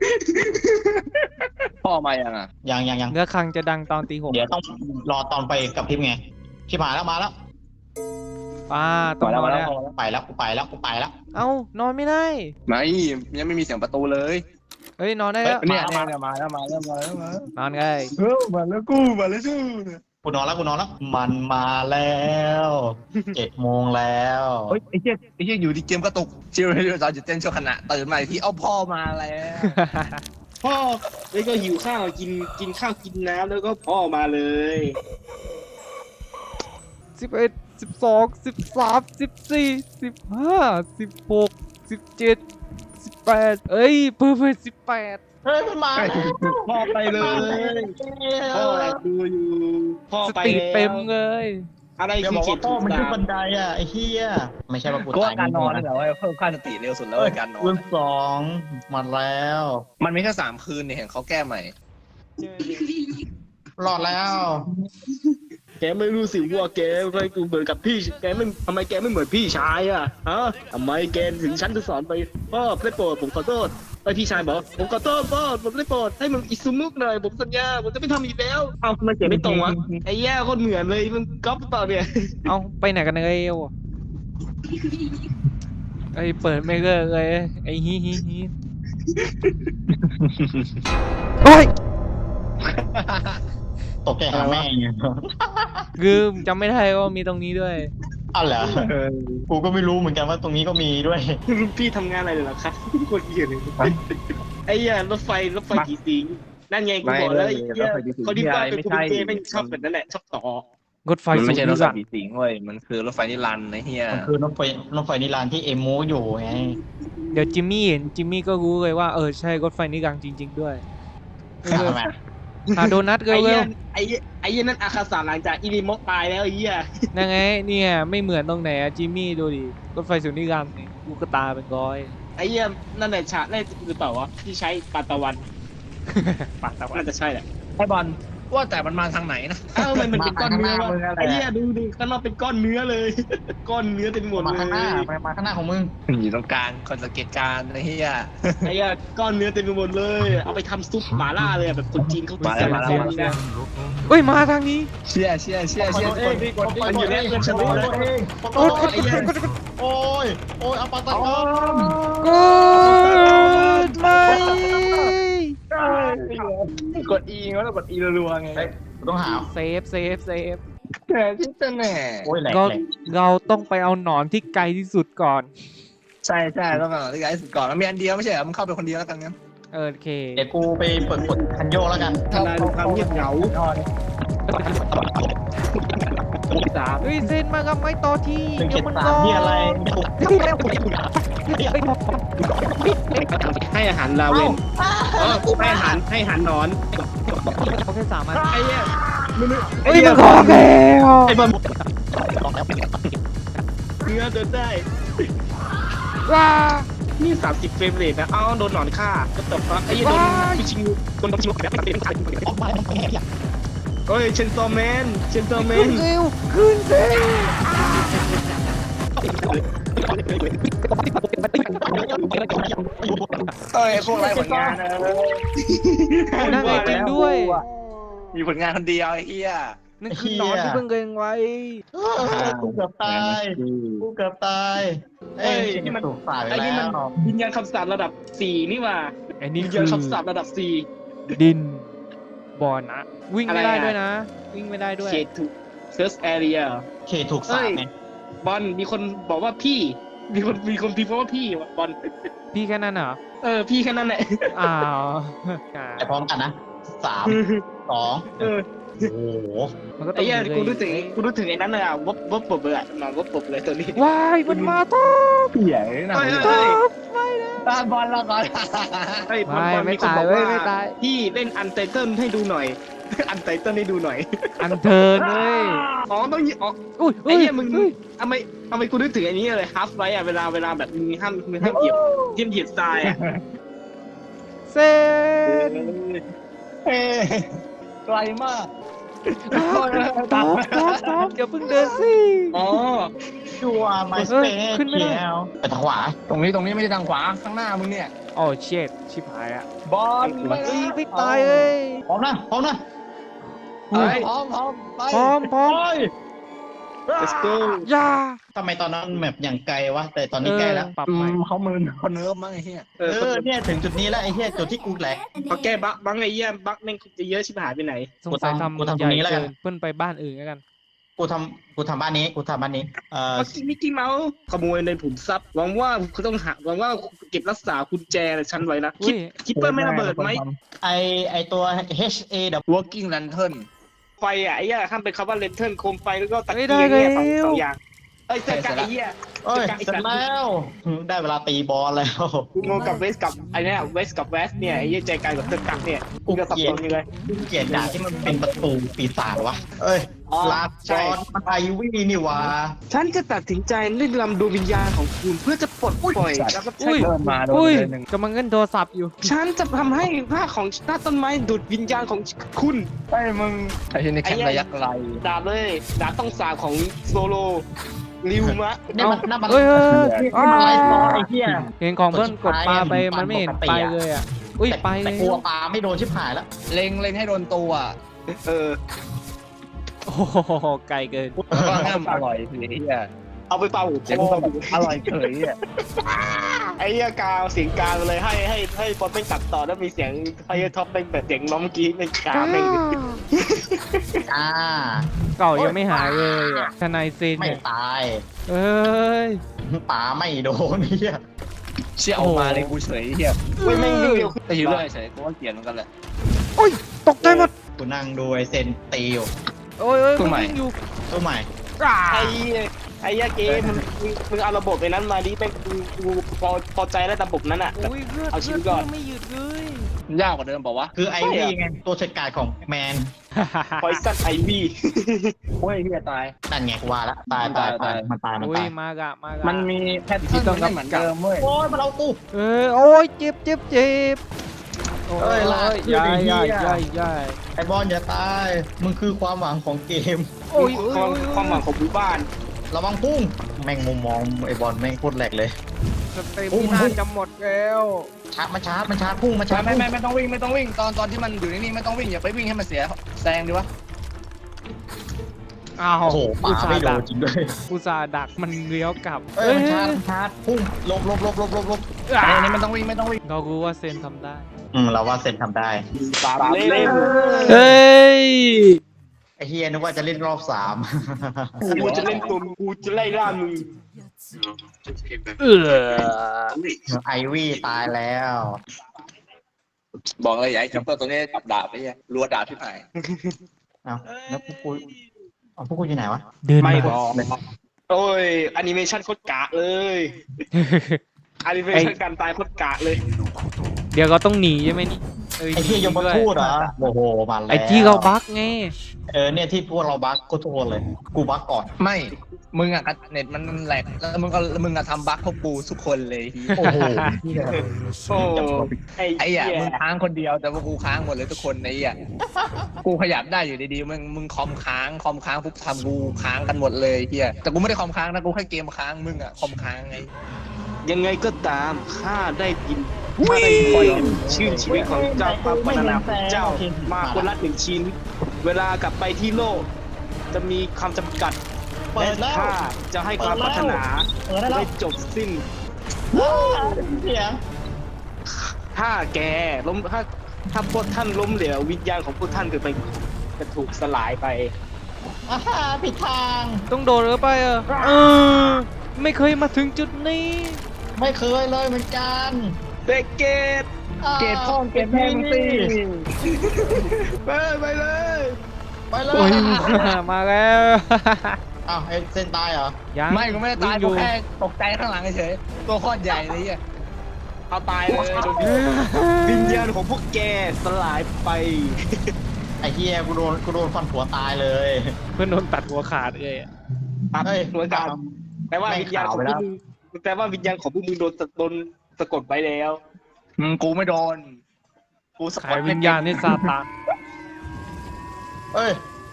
[SPEAKER 5] พ่อมายังอ่ะ
[SPEAKER 2] ยังยังยัง
[SPEAKER 1] เนื้อคังจะดังตอนตีหก
[SPEAKER 2] เดี๋ยวต้องรอตอนไปกับพิมพ์ไงที่มาแล้วมาแล้ว
[SPEAKER 1] ป้าต้อง
[SPEAKER 5] มาแล้ว
[SPEAKER 1] นอน
[SPEAKER 5] มาแล้
[SPEAKER 1] แล้ว ว
[SPEAKER 2] ไปแล้วกูไปแล้วกูไปแล้ว
[SPEAKER 1] เอ้านอนไม่ได้
[SPEAKER 5] ไม่ยังไม่มีเสียงประตูเลย
[SPEAKER 1] เฮ้ยนอนได้แล้ว
[SPEAKER 5] เนี่ยเนี่ยเนี่ยมาแล้วมาแล้วมาแล้วมา
[SPEAKER 1] นอนไง
[SPEAKER 5] เออมาแล้วกูมาแล้วจู้
[SPEAKER 2] กูนอนแล้วกูนอนแล้ว มันมาแล้วเจ็ดโมงแล้ว
[SPEAKER 5] เฮ้ยไอ้เหี้ยไอ้เหี้ยอยู่ที่เกมกระตุกชิวชิวตอนจะเต้นชั่วขณะตื่นมาอีกที่เอ้าพ่อมาแล้ว
[SPEAKER 3] พ่อแล้วก็หิวข้าวกินกินข้าวกินน้ำแล้วก็พ่อมาเลย
[SPEAKER 1] สิบเอ็ดสิบสองสิบสามสิบสี่สิบห้าสิบหกสิบเจ็ดสิบแปดเอ้ยเพิ่มเป็นสิบแปด
[SPEAKER 2] เฮ้ยมันมาแล้ว
[SPEAKER 3] พ่อไปเลยพ่อแอบดูอยู่พ่อ
[SPEAKER 1] ส
[SPEAKER 3] ไป
[SPEAKER 1] ติ
[SPEAKER 3] แล้ว
[SPEAKER 1] เต็มเลย
[SPEAKER 3] อะไร
[SPEAKER 2] เดี๋ยว
[SPEAKER 3] คือ
[SPEAKER 2] บอก
[SPEAKER 3] เจ็
[SPEAKER 2] ว่า
[SPEAKER 3] ด
[SPEAKER 2] พ่อ
[SPEAKER 3] ถูก
[SPEAKER 2] มัน
[SPEAKER 3] สา
[SPEAKER 2] ขึ้น
[SPEAKER 3] ม
[SPEAKER 2] บันไดอ่ะไอ้เหี้ยไม่ใช่ว่ากู
[SPEAKER 5] ก็
[SPEAKER 2] ตาย
[SPEAKER 5] การนอนนี่แหละว่าเพิ่มค่าสติเร็วสุดแล้วการนอน
[SPEAKER 2] คืนสองมาแล้ว
[SPEAKER 5] มันมีแค่สามคืนเนี่ยเห็นเขาแก้ใหม่
[SPEAKER 2] รอดแล้ว
[SPEAKER 3] แกไม่รู้สิว่าแกไม่กูเหมือนกับพี่แกไม่ทำไมแกไม่เหมือนพี่ชายอ่ะฮะทำไมแกถึงฉันจะสอนไปพ่อได้โปรดผมขอโทษไอพี่ชายบอกผมขอโทษพ่อผมได้โปรดให้มันอิสุมุกหน่อยผมสัญญาผมจะไม่ทำอีกแล้วเอ้าทำไมแกไม่ตรงวะไอ้แย่คนเหมือนเลยมันก๊อปเปล่าเนี่ย
[SPEAKER 1] เอาไปไหนกันเอ้ยวะไอ้เปิดไม่เลิกเลยไอ้ฮิฮิฮิโอ้ย
[SPEAKER 2] ตกใจหาแม่ไง
[SPEAKER 1] ลืมจำไม่ได้ว่ามีตรงนี้ด้วย
[SPEAKER 2] อ้าวเหรอกูก็ไม่รู้เหมือนกันว่าตรงนี้ก็มีด้วย
[SPEAKER 3] รุ่นพี่ทำงานอะไรเหรอครับโคตรเหี้ยเลยไอ้เหี้ยรถไฟรถไฟผีสิงนั่นไงกูบอกแล้วไอ้เหี้ยเขาที่บ้านเป็นคนเกย์ไม่ชอบแบบนั้นแหละชอบต่อ
[SPEAKER 1] รถไฟ
[SPEAKER 5] มัน
[SPEAKER 1] สู
[SPEAKER 5] ไม่
[SPEAKER 1] ง
[SPEAKER 5] ใช่รถ
[SPEAKER 1] นิ
[SPEAKER 5] ไฟ
[SPEAKER 1] รันด
[SPEAKER 5] ผี
[SPEAKER 1] ร์
[SPEAKER 5] สิงเว้ยมันคือรถไฟนิรันดร์ไอ้เหี้ย
[SPEAKER 2] มันคือรถไฟรถไฟนิรันดร์ที่เอมูอยู่ไง
[SPEAKER 1] เดี๋ยวจิมมี่เห็นจิมมี่ก็รู้เลยว่าเออใช่รถไฟนิรันดร์จริง ๆ ด้วยเร็ว
[SPEAKER 2] ทำไม
[SPEAKER 1] ๆหาโดนัท
[SPEAKER 3] ไอ้
[SPEAKER 1] เร็
[SPEAKER 3] เหี้ยว ไอ้เหี้ยไอ้เหี้ยนั่นอาคาสาหลังจากอีนิโมตายแล้วไอ้เหี้ย
[SPEAKER 1] ๆนั่นไงเนี่ยไม่เหมือนตรงไหนอะจิมมี่ดูดิรถไฟสูงนิรันดร์นี่ลูกกระตาเป็นร้อย
[SPEAKER 3] ไอ้เหี้ยนั่นแหละฉากแรกหรือเปล่าวะที่ใช้ปาตะวัน
[SPEAKER 1] ปากตะวัน
[SPEAKER 3] น่าจะใช่แหละ
[SPEAKER 5] ไอ้บอลว่าแต่มันมาทางไหนนะ
[SPEAKER 3] เอ้ามันมันเป็นก้อนเนื้อวะ
[SPEAKER 2] มาข้างหน้ามึงอะไร
[SPEAKER 3] ไอ้เหี้ยดูดูข้างนอกเป็นก้อนเนื้อเลย ก้อนเนื้อเต็มหมด
[SPEAKER 2] มา
[SPEAKER 3] เล
[SPEAKER 2] ข้างหน้าย มามาข้างหน้าของมึง
[SPEAKER 5] อยู่ตรงกลางคนสังเกตการณ์ไอ้เหี้ย
[SPEAKER 3] ไอ้เหี้ยก้อนเนื้อเต็มไปหมดเลย เอาไปทำซุปหม่าล่าเลยอะแบบคนจีนเขา
[SPEAKER 5] มาแล้วมาแล้ว
[SPEAKER 3] เส้นๆนะ
[SPEAKER 1] เฮ้ยมาทางนี้
[SPEAKER 5] เชี่ยเชี่ยเชี่ยเชี่ย
[SPEAKER 3] เอ้ยมันอยู่ในเพื่อนฉันรู้แล้ว
[SPEAKER 2] โอ้ยโอ้ยโอ้ยเอาปาตะกอน
[SPEAKER 1] กูดไม่
[SPEAKER 5] กด E แล้วกด E รัวๆไง
[SPEAKER 2] กูต้องหา
[SPEAKER 1] เซฟเซฟเซฟ
[SPEAKER 5] แหมที่จะแหน่
[SPEAKER 2] โอ้ยแหลก
[SPEAKER 1] เรา
[SPEAKER 2] แหลก
[SPEAKER 1] เราต้องไปเอาหนอนที่ไกลที่สุดก่อน
[SPEAKER 5] ใช่ใช่ต้องมาที่ไกด์สุดก่อนมันมีอันเดียวไม่ใช่เหรอมึงเข้าไปคนเดียวแล้วกันงั้น
[SPEAKER 1] เออโอเค
[SPEAKER 2] เดี๋ยวกูไปเปิดกดคันโยกแล้วกัน
[SPEAKER 3] ทลายความเงียบเหงา
[SPEAKER 1] สามเฮ้ยเส้นมากับไม้ต่อที่
[SPEAKER 2] หนึ่ง
[SPEAKER 1] เดี๋
[SPEAKER 2] เจ็
[SPEAKER 1] ย
[SPEAKER 2] ด
[SPEAKER 1] วมัน
[SPEAKER 2] สาม
[SPEAKER 1] ร้อน
[SPEAKER 2] ที่อะไร
[SPEAKER 3] ให้อาหารลาเวนเออให้อาหารให้อาหารนอน
[SPEAKER 1] เขาแค่สามอัน
[SPEAKER 3] ไอ้เหี้ยมัน
[SPEAKER 1] เฮ้ยมันของแล้ว
[SPEAKER 3] ไอ้บอลเนื้อเดินได้
[SPEAKER 1] ว้า
[SPEAKER 3] นี่สามสิบเฟรมเรทนะ เอ้าโดนหนอนฆ่าก็ตบปะไอ้เหี้ยโดนพิชิงโดนพิชิงแบบเป็นขันเฮ้ยเชนซอแมนเชนซอแม
[SPEAKER 1] ขึ้
[SPEAKER 3] น
[SPEAKER 1] นเร็วขึ้นเร็ว
[SPEAKER 5] เอ้ยพวกไรผลงานนะ
[SPEAKER 1] นั่งไอจริงด้วย
[SPEAKER 5] มีผลงานคนเดียวไอ้เหี้ย
[SPEAKER 1] นั่นคือหนอนที่เพิ่งเกิงไว้
[SPEAKER 2] กูเกือบตายกูเกือบตายเอ้ยนี่มันถูกฝ่ายไป
[SPEAKER 3] ไอ้
[SPEAKER 2] แล้
[SPEAKER 3] นี่มัน
[SPEAKER 2] ว
[SPEAKER 3] วิญญาณคำสาประดับสี่นี่หว่า
[SPEAKER 1] ไอ้นี่
[SPEAKER 3] วิญ
[SPEAKER 1] คื
[SPEAKER 3] ญาณ
[SPEAKER 1] อ
[SPEAKER 3] คำสาประดับสี่
[SPEAKER 1] ดินบอนะวิ่งไม่ได้
[SPEAKER 3] อะไรอะ
[SPEAKER 1] ด้วยนะ วิ่งไม่ได้ด้วย
[SPEAKER 3] เขตถูกเซิร์ชแอเรีย
[SPEAKER 2] เขตถูกสาปไง
[SPEAKER 3] บอลมีคนบอกว่าพี่ มีคนมีคนพิมพ์ว่าพี่ว่ะบอล
[SPEAKER 1] พี่แค่นั้นเหรอ
[SPEAKER 3] เออพี่แค่นั้นแหละ
[SPEAKER 1] อ้าว
[SPEAKER 2] ไปพร้อมกันนะสามสอง
[SPEAKER 3] เออ
[SPEAKER 2] โอ้โห
[SPEAKER 1] มันก็ต้
[SPEAKER 3] ไอ้
[SPEAKER 1] อง
[SPEAKER 3] เหี้ย
[SPEAKER 1] เลย
[SPEAKER 3] กูรู้ถึงกูรู้ถึงไอ้นั้นเลยอ่ะวบวบปบเลยอ่ะนอนวบปบเลยตัวนี้
[SPEAKER 1] ว้ายมันมาต้อ
[SPEAKER 5] เหี้ยนะ
[SPEAKER 3] เฮ้ย
[SPEAKER 1] ต้
[SPEAKER 3] เฮ้ย
[SPEAKER 5] ตามบอลแล้วก่อน
[SPEAKER 3] เฮ้ยบอล
[SPEAKER 1] ไม่
[SPEAKER 3] บอล
[SPEAKER 1] ไม่
[SPEAKER 3] มีคน
[SPEAKER 1] ตาย
[SPEAKER 3] บอก
[SPEAKER 1] เว้ย
[SPEAKER 3] ว่า
[SPEAKER 1] ไม่ตาย
[SPEAKER 3] พี่เล่นอันไตเติลให้ดูหน่อย อันไตเติลให้ดูหน่อย
[SPEAKER 1] อันเทิร์นเว้ย
[SPEAKER 3] อ๋อต้องยิอ๋อ
[SPEAKER 1] อุ้ย
[SPEAKER 3] ไอ้เหี้ยมึง
[SPEAKER 1] อุ้ย
[SPEAKER 3] ทำไมทำไมกูนึกถึงไอ้นี้เลยฮัฟไว้อ่ะเวลาเวลาแบบมึงห้ามมึงห้ามเหยียบเหยียบเหยียบทรายอ่ะ
[SPEAKER 1] เซน
[SPEAKER 5] เฮ้ยไกลมาก
[SPEAKER 1] ท็อปท็อปท็อปอย่าเพิ่งเดินสิ
[SPEAKER 3] อ๋อ
[SPEAKER 2] ชัวร์ไมส
[SPEAKER 1] เฮ้
[SPEAKER 2] เป
[SPEAKER 1] ย
[SPEAKER 2] ซ
[SPEAKER 1] ขึ้นไม่ได้
[SPEAKER 2] เขียวไปทางขวา
[SPEAKER 5] ตรงนี้ตรงนี้ไม่ใช่ทางขวาข้างหน้ามึงเนี่ย
[SPEAKER 1] โอ้เช็ดชิบหายอ่ะ
[SPEAKER 5] บอล
[SPEAKER 1] เฮ้ยไม่ตายเอ้ย
[SPEAKER 2] พร้อมนะพร้อมนะ
[SPEAKER 5] เฮ้ยพร้อมพร้อมไป
[SPEAKER 1] พร้อมพร้อม
[SPEAKER 2] โอ้ย
[SPEAKER 3] let's go
[SPEAKER 1] อย่า
[SPEAKER 2] ทำไมตอนนั้นแมปอย่างไกลวะแต่ตอนนี้ใกล้แล้ว
[SPEAKER 1] ปรับ
[SPEAKER 5] อื
[SPEAKER 1] ใหม่
[SPEAKER 5] มเขามือเขาเนิร์ฟมั้งไอ้เหี้ย
[SPEAKER 3] เอ
[SPEAKER 2] เอ
[SPEAKER 3] อ
[SPEAKER 2] อเนี่ยถึงจุดนี้แล้วไอ้เหี้ยจุดที่กูแหลก
[SPEAKER 3] พอแก้บั๊กบั๊กไอ้เหี้ยบั๊กแม่งจะเยอะชิบหายไปไหน
[SPEAKER 1] สงสัย
[SPEAKER 2] กูทำกู
[SPEAKER 1] ทำ
[SPEAKER 2] ทำตรงนี้
[SPEAKER 1] ใหญ่
[SPEAKER 2] แล้วกัน
[SPEAKER 1] เกินเพิ่นไปบ้านอื่นแล้วกัน
[SPEAKER 2] กูทำกูทำบ้านนี้กูทำบ้านนี้เอ่อ
[SPEAKER 3] เมื่อกี้มิกกี้เมาส์ขโมยในผุมทรัพย์หวังว่าคุณต้องหาหวังว่าเก็บรักษากุญแจฉันไว้นะ
[SPEAKER 1] อุ้
[SPEAKER 3] คิด
[SPEAKER 1] ย
[SPEAKER 3] คิดเปิ้ลไม่ระเบิดไหม
[SPEAKER 2] ไอไอตัว H A W
[SPEAKER 5] working lantern
[SPEAKER 3] ไฟอ่ะไอ้เหี้ยห้ามเป็นคำว่าเลนเทิร์นโคมไฟแล้วก็ตะ
[SPEAKER 1] เฮ้ย
[SPEAKER 3] เกียง
[SPEAKER 1] ได้
[SPEAKER 3] เนี่ยสอง
[SPEAKER 1] แล้ว
[SPEAKER 3] สองอย่างเอ้ยเจอกันไอ้เหี้ย
[SPEAKER 2] เอ้ยเสร็จแล้วได้เวลาตีบอลแล้ว
[SPEAKER 3] กูงงกับเวสกับไอ้เนี่ยเวสกับเวสเนี่ยไอ้เหี้ยใจกลางกับเจอกันเนี่ยกูจะสับสนอยู่เลย
[SPEAKER 2] เกลียดด่าที่มันเป็นประตูปีศาจวะเอ้ย
[SPEAKER 3] อ๋อ
[SPEAKER 2] ลา
[SPEAKER 3] ใช่
[SPEAKER 2] จอนมันไอวี่นี่หวะ
[SPEAKER 3] ฉันจะตัดสินใจเล่นลำดวงวิญญาณของคุณเพื่อจะปลดปล่อยแล้วก็ใช้
[SPEAKER 1] อุ้ย
[SPEAKER 5] เริ่มมาโดน
[SPEAKER 1] อุ้ย
[SPEAKER 5] เลยหนึ่ง
[SPEAKER 1] กำลังเล่นโทรศัพท์อยู่
[SPEAKER 3] ฉันจะทำให้รากของหน้าต้นไม้ดูดวิญญาณของคุณ
[SPEAKER 5] ไอ้มึงไอ้ที่นี่แค่ระยะไกล
[SPEAKER 3] ดาบเลยดาบต้องสาบของโซโลริวมะ
[SPEAKER 2] เนี่ยมันน่ามัน
[SPEAKER 1] เฮ้ยเฮ้ยเฮ้ย
[SPEAKER 2] นี่มันไลฟ์บอลไอ้เหี้ย
[SPEAKER 1] เห็นของเพื่อนกดปลาไป
[SPEAKER 2] กด
[SPEAKER 1] มันไม่เห็น
[SPEAKER 2] ปกติ
[SPEAKER 1] ไป
[SPEAKER 2] อะ
[SPEAKER 1] เลยอ่ะ อุ้ย
[SPEAKER 2] แต่
[SPEAKER 1] ไปเล
[SPEAKER 2] แต่
[SPEAKER 1] ย
[SPEAKER 2] กลัวปลาไม่โดนชิบหายแล้ว
[SPEAKER 5] เล็งเล็งให้โดนตัว
[SPEAKER 3] เออ
[SPEAKER 1] โอ้โหไกลเกิน
[SPEAKER 5] แล้วก็ห้ามอร่อยสิไอ้เหี้ย
[SPEAKER 3] เอาไปเป่า
[SPEAKER 5] เสียง
[SPEAKER 3] คอ
[SPEAKER 5] แบบอร่อยเฉยอ่ะ
[SPEAKER 3] ไอ้เหี้ยกาวเสียงกาวเลยให้ให้ให้บอลเป็นตัดต่อแล้วมีเสียงไอ้ท็อปเป็นแบบเสียงน้องเมื่อกี้เป็นกาวเป็น
[SPEAKER 2] อ่า
[SPEAKER 1] เก่ายังไม่หายเลยอ่ะทนายเซน
[SPEAKER 2] ไม่
[SPEAKER 1] เนี่ย
[SPEAKER 2] ตาย
[SPEAKER 1] เอ้ย
[SPEAKER 2] ปลาไม่โดนเหี้ย
[SPEAKER 5] เชี่ยออกมาเลยกูเฉยเหี้ย
[SPEAKER 3] ไม่ไม่ไม่เร็วขึ้น
[SPEAKER 5] แต่อยู่เรื่อยเฉยกูว่าเกลียดเหมือนกันแหละ
[SPEAKER 1] โอ้ยตกใจหมด
[SPEAKER 2] กูนั่งดูไอเซนตีอยู่
[SPEAKER 1] โอ้ยโอ้ย
[SPEAKER 5] ตัวใหม่
[SPEAKER 1] นวิ่งอยู่
[SPEAKER 2] ตัวใหม่
[SPEAKER 1] อ่า
[SPEAKER 3] ไอ้ไอ้เหี้ยเกมมึงมึงมึงเอาระบบไอ้นั้นมาดิแม่งกูกูพอพอใจแล้วระบบนั้นอ่ะแบบ
[SPEAKER 1] โอ้ยเลือด
[SPEAKER 3] เอาชี
[SPEAKER 1] เลือ
[SPEAKER 3] วิ
[SPEAKER 1] ด
[SPEAKER 3] ตก่อน
[SPEAKER 1] ไม่หยุดเลย
[SPEAKER 5] มันยากกว่าเดิมเปล่าวะ
[SPEAKER 2] คือไอวี่ไงตัวฉกาจของแมน
[SPEAKER 3] พอยซันไอวี
[SPEAKER 5] โอ้ยเหี้ยตาย
[SPEAKER 2] นั่นไงกูว่าละตายตายตายมันตายมัน
[SPEAKER 1] โอ้ย
[SPEAKER 2] ตาย
[SPEAKER 1] มากะมากะ
[SPEAKER 5] มันมีแพทเทิร์นไม่เหมือนเดิมเว้ย
[SPEAKER 2] โอ้ยมันเอากู
[SPEAKER 1] เออโอ้ยเจ็บเจ็บเจ็บโอ้
[SPEAKER 2] เอ้ยลากขึ้น
[SPEAKER 1] ยาย
[SPEAKER 2] ไอ้เหี้
[SPEAKER 1] ยาย
[SPEAKER 2] ย
[SPEAKER 1] ยายยาย
[SPEAKER 2] ไอบอลอย่าตายมึงคือความหวังของเกม
[SPEAKER 1] โอ้ย
[SPEAKER 3] ความความหวังของหมู่บ้าน
[SPEAKER 2] ระวังพุ่งแม่งมุมมองไอบอลแม่งโคตรแหลกเลย
[SPEAKER 1] สเต็มที่น่าจะหมดแล้ว
[SPEAKER 2] ชาร์จมันชาร์จมันชาร์จพุ่งมันชาร์จ
[SPEAKER 5] ไม่
[SPEAKER 2] พุ่ง
[SPEAKER 5] ไม่ไม่ต้องวิ่งไม่ต้องวิ่งตอนตอนที่มันอยู่นิ่งๆไม่ต้องวิ่งอย่าไปวิ่งให้มันเสียแซงดีวะ
[SPEAKER 1] อ้าว
[SPEAKER 2] โอ้โหป
[SPEAKER 1] อุ
[SPEAKER 2] ลา
[SPEAKER 1] ตส่า
[SPEAKER 2] ไม่
[SPEAKER 1] ห์
[SPEAKER 2] โด
[SPEAKER 1] ดั
[SPEAKER 2] น
[SPEAKER 1] ก
[SPEAKER 2] จริงด้วย
[SPEAKER 1] อุตส่าห์ดักมันเลี้ยวกลับ
[SPEAKER 2] เอ้ยมันชาร์จมันชาร์จพุ่งหลบหลบหลบหลบหลบหลบ
[SPEAKER 5] อันนี้ไม่ต้องวิ่งไม่ต้องวิ่ง
[SPEAKER 1] เรารู้ว่าเซนทำได้
[SPEAKER 2] อืมเราว่าเซนทำได้
[SPEAKER 3] สามเล่ม
[SPEAKER 1] เฮ้ย
[SPEAKER 2] ไอเฮียนึกว่าจะเล่นรอบสาม
[SPEAKER 3] กูจะเล่นตัวกูจะไล่ล่ามึง
[SPEAKER 1] เออ
[SPEAKER 2] ไอวี่ตายแล้ว
[SPEAKER 5] บอกเลยอย่าให้จัมเปอร์ตัวนี้จับดาบไปเหี้ยรัวดาบที่ไหน
[SPEAKER 2] เอาแล้วพวกกูเอาพวกกูอยู่ไหนวะ
[SPEAKER 1] เดิน
[SPEAKER 3] ไม่
[SPEAKER 1] มา
[SPEAKER 3] บอก โอ้ยแอนิเมชันโคตรกะเลยแอนิเมชันการตายโคตรกะเลย
[SPEAKER 1] เดี๋ยวก็ต้องหนีใช่ไหมนี่
[SPEAKER 2] ไอที่ยมทูตเหรอโอ้โหมาแล้ว
[SPEAKER 1] ไอ้ที่เขาบักไง
[SPEAKER 2] เออเนี่ยที่พวกเราบักก็ทุกคนเลย กูบักก่อน
[SPEAKER 5] ไม่มึงอะเน็ตมันแหลกแล้วมึงก็มึงอะทำบั๊กพวกกูทุกคนเลย
[SPEAKER 2] โอ้โห
[SPEAKER 3] โอ้ไอ้
[SPEAKER 5] ไอ้
[SPEAKER 3] เหี้
[SPEAKER 5] อะ
[SPEAKER 3] ย
[SPEAKER 5] มึงค้างคนเดียวแต่พวกกูค้างหมดเลยทุกคนไอ้อะกูขยับได้อยู่ดีๆมึงมึงคอมค้างคอมค้างปุ๊บทำกูค้างกันหมดเลยเฮียแต่กูไม่ได้คอมค้างนะกูแค่เกมค้างมึงอะคอมค้างไง
[SPEAKER 3] ยังไงก็ตามข้าได้ยินข้าได้คอยชื่นชีวิตของเจ้าพระพัฒนาของเจ้ามาคนละหนึ่งชิ้น เวลากลับไปที่โลก จะมีคำจำกัด
[SPEAKER 2] เปิดแล้ว
[SPEAKER 3] ข้าจะให้ความพัฒนา
[SPEAKER 2] เปิดได้แล้ว
[SPEAKER 3] ได้จบสิ้น
[SPEAKER 2] เสียง
[SPEAKER 3] ถ้าแกล้มถ้าถ้าพวกท่านล้มเหลววิญญาณของพวกท่านจะไปจะถูกสลายไป
[SPEAKER 2] อ่าฮะผิดทาง
[SPEAKER 1] ต้องโดดหรือไปอ่ะเออไม่เคยมาถึงจุดนี้
[SPEAKER 2] ไม่เคยเลยเหมือนกัน
[SPEAKER 3] เบเกต
[SPEAKER 5] เกตพ่อเกตแม่มึงสิ
[SPEAKER 3] ไปไปเลย
[SPEAKER 2] ไปเล
[SPEAKER 1] โอ้ย
[SPEAKER 2] ย
[SPEAKER 1] มาแล้ว
[SPEAKER 2] อ้าวไอ้เส้นตายเหรอ
[SPEAKER 1] ยัง
[SPEAKER 5] ไม่กูไม่ได้ตาย
[SPEAKER 1] วิ่งอ
[SPEAKER 5] กู
[SPEAKER 1] ยู่
[SPEAKER 5] แค่ตกใจข้างหลังเฉยๆตัวโคตรใหญ่เลยอ่ะ
[SPEAKER 3] เอาตายเลยโดนวิญญาณของพวกแกสลายไป
[SPEAKER 2] ไอ้เฮียกูโดนกูโดนฟันหัวตายเลย
[SPEAKER 1] เพื่อนโดนตัดหัวขาดเลยอะ
[SPEAKER 3] ตัด
[SPEAKER 2] เฮ้ย
[SPEAKER 3] หัวกลับแปลว่า
[SPEAKER 2] แม่ง
[SPEAKER 3] วิญญาณของ
[SPEAKER 2] ขาวไป
[SPEAKER 3] พ
[SPEAKER 2] แล้ว ว
[SPEAKER 3] กมึงแปลว่าวิญญาณของพวกมึงโดนโดนสะกดไว้แล้ว
[SPEAKER 5] อืมกูไม่โดน กูสะ
[SPEAKER 1] ขาก ย
[SPEAKER 5] ด
[SPEAKER 1] วิญญาณให้ซาตาน
[SPEAKER 2] เอ้ย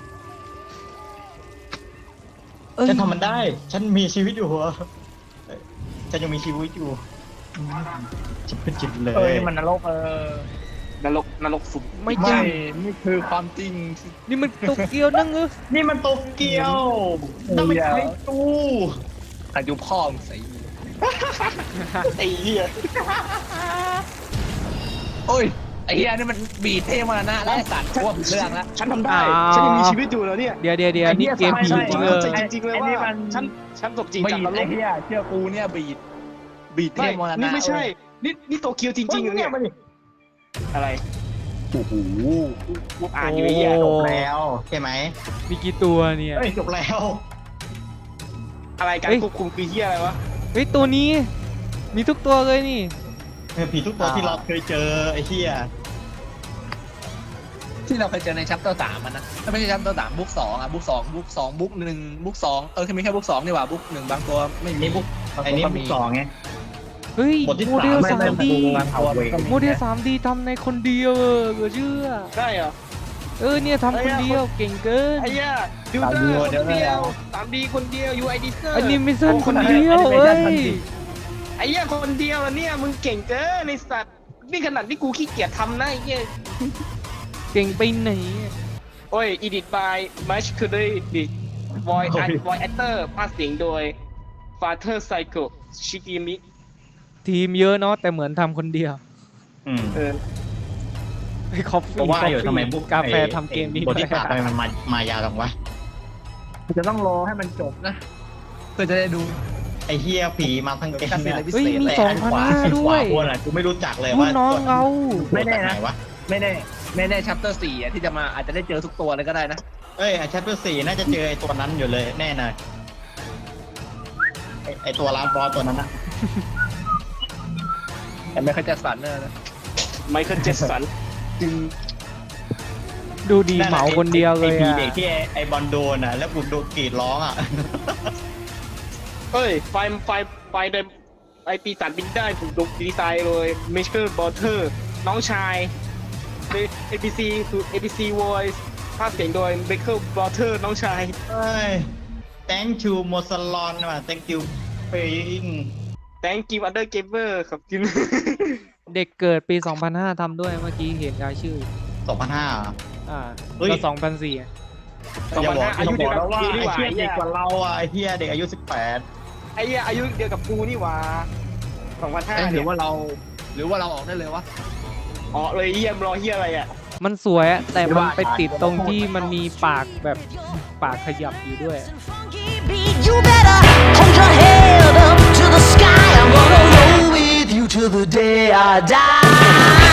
[SPEAKER 1] เอ้ย
[SPEAKER 2] ฉันทำมันได้ ฉันมีชีวิตอยู่เหรอเอ้ยฉันยังมีชีวิตอยู่จิบเป็นจิบเล
[SPEAKER 5] เอ้
[SPEAKER 2] ย
[SPEAKER 5] ยมันนรกเออน
[SPEAKER 3] รกนรกสุด
[SPEAKER 1] ไม่จริ
[SPEAKER 5] ไม่
[SPEAKER 1] ง
[SPEAKER 5] นี่คือความจริง
[SPEAKER 1] นี่มันโตเกียวนั่งเออ
[SPEAKER 2] นี่มันโตเกียวต้องไปใช้ตู้
[SPEAKER 5] อายุพ่อมึงใส่
[SPEAKER 3] ไอ้เหี้ย
[SPEAKER 5] โอ้ยไอ้เหี้ยนี่มันบีดเท่มานะแล้วไอ้สัตว์พวกเรื่องละ
[SPEAKER 3] ฉันทำได้ ฉันยังมีชีวิตอยู่แล้วเนี่ย
[SPEAKER 1] เดี๋ยวเดี๋ยวเดี๋ยวนี่เกมผีจริงเออ
[SPEAKER 3] จริงๆเลยว่าฉันฉันตกจริง
[SPEAKER 5] บี
[SPEAKER 3] จาก
[SPEAKER 5] ด
[SPEAKER 3] นร
[SPEAKER 5] ไอ้
[SPEAKER 3] ก
[SPEAKER 5] เหี้ยเชื่อกูเนี่ยบีดบีดเท่
[SPEAKER 3] ไม่
[SPEAKER 5] มานะ
[SPEAKER 3] นี่ไม่ใช่ นี่นี่โตเกียวจริงๆเหรอเนี่ย
[SPEAKER 2] มาดิ
[SPEAKER 3] อะไร
[SPEAKER 5] โอ้โห
[SPEAKER 3] กูอ่านอยู่ไอ้เหี้ย
[SPEAKER 1] โอ้
[SPEAKER 2] จบแล้วใช่ไหม
[SPEAKER 1] มีกี่ตัวเนี่ย
[SPEAKER 2] เอ้ยจบแล้ว
[SPEAKER 3] อะไรการควบคุมคือเหี้ยอะไรวะ
[SPEAKER 1] เฮ้ยตัวนี้ มีทุกตัวเลยนี่
[SPEAKER 2] เออผีทุกตัวที่เราเคยเจอไอ้เหี้ย
[SPEAKER 5] ที่เราเคยเจอในชัปเตอร์สามมันนะไม่ใช่ชัปเตอร์สามบุ๊กสองอ่ะบุ๊กสองบุ๊กสองบุ๊กหนึ่งบุ๊กสองเออแค่มีแค่บุ๊กสองนี่หว่าบุ๊กหนึ่งบางตัวไม่มี
[SPEAKER 2] นี่บุ๊ก
[SPEAKER 5] บาง
[SPEAKER 2] ไอ้
[SPEAKER 5] ตัว
[SPEAKER 2] นี่
[SPEAKER 5] ก็
[SPEAKER 2] บุ๊
[SPEAKER 5] มี
[SPEAKER 2] กสองไง
[SPEAKER 1] เฮ้ย
[SPEAKER 2] บทที่
[SPEAKER 1] โมเดล
[SPEAKER 2] สาม
[SPEAKER 1] สามดี
[SPEAKER 5] บางตัวมันก็มี
[SPEAKER 1] โมเดลสามดีทำในคนเดียวเออเหลือเชื่อ
[SPEAKER 3] ได้เหรอ
[SPEAKER 1] เออเนี่ยทำคนเดียวเก่งเกิน
[SPEAKER 3] ไอ้เหี้ยดูเตอร์คนเดียวสามดีคนเดียว ยู ไอ ดีเซอร์
[SPEAKER 1] อันนี้ไม่สั้นคนเดียวเอ้ย
[SPEAKER 3] ไอ้เหี้ยคนเดียวแล้วเนี่ยมึงเก่งเกินในสัตว์นี่ขนาดที่กูขี้เกียจทำนะไอ้เหี้ย
[SPEAKER 1] เก่งไปไหน
[SPEAKER 3] โอ้ย edit by Match คือด้วยดิ voice act voice actor ภาคเสียงโดย Father Psycho Shigemi
[SPEAKER 1] ทีมเยอะเนาะแต่เหมือนทำคนเดียว
[SPEAKER 2] อืม
[SPEAKER 3] เออ
[SPEAKER 1] ไอ้คอฟฟี่
[SPEAKER 2] ก็ว่าอยู่ทำไมบุ๊ก
[SPEAKER 1] กาแฟทำเกมนี้
[SPEAKER 2] บทที่สามทำไมมันมามายาวจังวะ
[SPEAKER 5] จะต้องรอให้มันจบนะเพื่อจะได้ดู
[SPEAKER 2] ไอ้เฮียผีมาทั้งเกมเนี่ย
[SPEAKER 1] เฮ้ยมี
[SPEAKER 2] แต่
[SPEAKER 1] สอง
[SPEAKER 2] อัน
[SPEAKER 1] พัน
[SPEAKER 2] ขวา
[SPEAKER 1] ห้า
[SPEAKER 2] อันข
[SPEAKER 1] ด้ว
[SPEAKER 2] วาย บนอ่ะกูไม่รู้จักเลย
[SPEAKER 1] รุ่
[SPEAKER 2] ว่าน
[SPEAKER 1] น้องเรา
[SPEAKER 5] ไม่แน่นะ
[SPEAKER 2] ตัวจากหวะ
[SPEAKER 5] ไม่แน่ไม่แน่ชัปเตอร์สี่อ่ะที่จะมาอาจจะได้เจอทุกตัวเลยก็ได้นะ
[SPEAKER 2] เอ้ยไอ้แชปเตอร์สี่น่าจะเจอไอ้ตัวนั้นอยู่เลยแน่นอนไอ้ไอ้ตัวร้านบอสตัวนั้นอะ
[SPEAKER 5] แต่ไม่เคยจะสันเนอร์นะ
[SPEAKER 3] ไมเคิลเจสัน
[SPEAKER 5] จึง
[SPEAKER 1] ดูดีเหมาคนเดียวเลย
[SPEAKER 2] ไอ้ผี
[SPEAKER 1] อะ
[SPEAKER 2] เด็กที่ไอ้ไอ้บอลโดนอ่ะแล้วกูโดนกรีดร้องอ่ะ
[SPEAKER 3] เฮ้ย ไฟไฟไฟเดมไอปีศาจบินได้ถูกดีไซน์โดย Michael Porter น้องชาย เอ พี ซี ถูก เอ พี ซี Voice ภาคเสียงโดย Michael Porter น้องชาย
[SPEAKER 2] เอ้ย thank you โมซาลอนว่ะ thank you paying
[SPEAKER 3] Thank you Other Gamer ครับกิน
[SPEAKER 1] เด็กเกิดปี สองพันห้า ทำด้วยเมื่อกี้เห็นรายชื่อ
[SPEAKER 2] สองพันห้า
[SPEAKER 1] อ่า
[SPEAKER 2] เฮ้ย
[SPEAKER 1] ก็สองพันสี่
[SPEAKER 3] สองพันห้าอายุเดียวกับ
[SPEAKER 2] ว่า
[SPEAKER 3] กูนี่
[SPEAKER 2] ไอ้
[SPEAKER 3] หว่า
[SPEAKER 2] เฮีย
[SPEAKER 3] ไอ้
[SPEAKER 2] เด็
[SPEAKER 3] เหี้
[SPEAKER 2] ก
[SPEAKER 3] ย
[SPEAKER 2] กว่าเราอ่ะไอ้เฮียเด็กอายุสิบแปด
[SPEAKER 3] ไอ้เหี้ยอายุเดียวกับกูนี่หว่าสองพันห้า
[SPEAKER 5] เอ้ยหรื
[SPEAKER 3] เนี่
[SPEAKER 5] อย ว่าเรา หรือว่าเราออกได้เลยวะ
[SPEAKER 3] อ๋อเลยเยี่ยมรอเหี้ยอะไรอ่ะ
[SPEAKER 1] มันสวยอะแต่มันไปติดตรงที่มันมีปากแบบปากขยับอยู่ด้วย
[SPEAKER 6] You better hold your head up to the sky. I'm gonna roll with you till the day I die.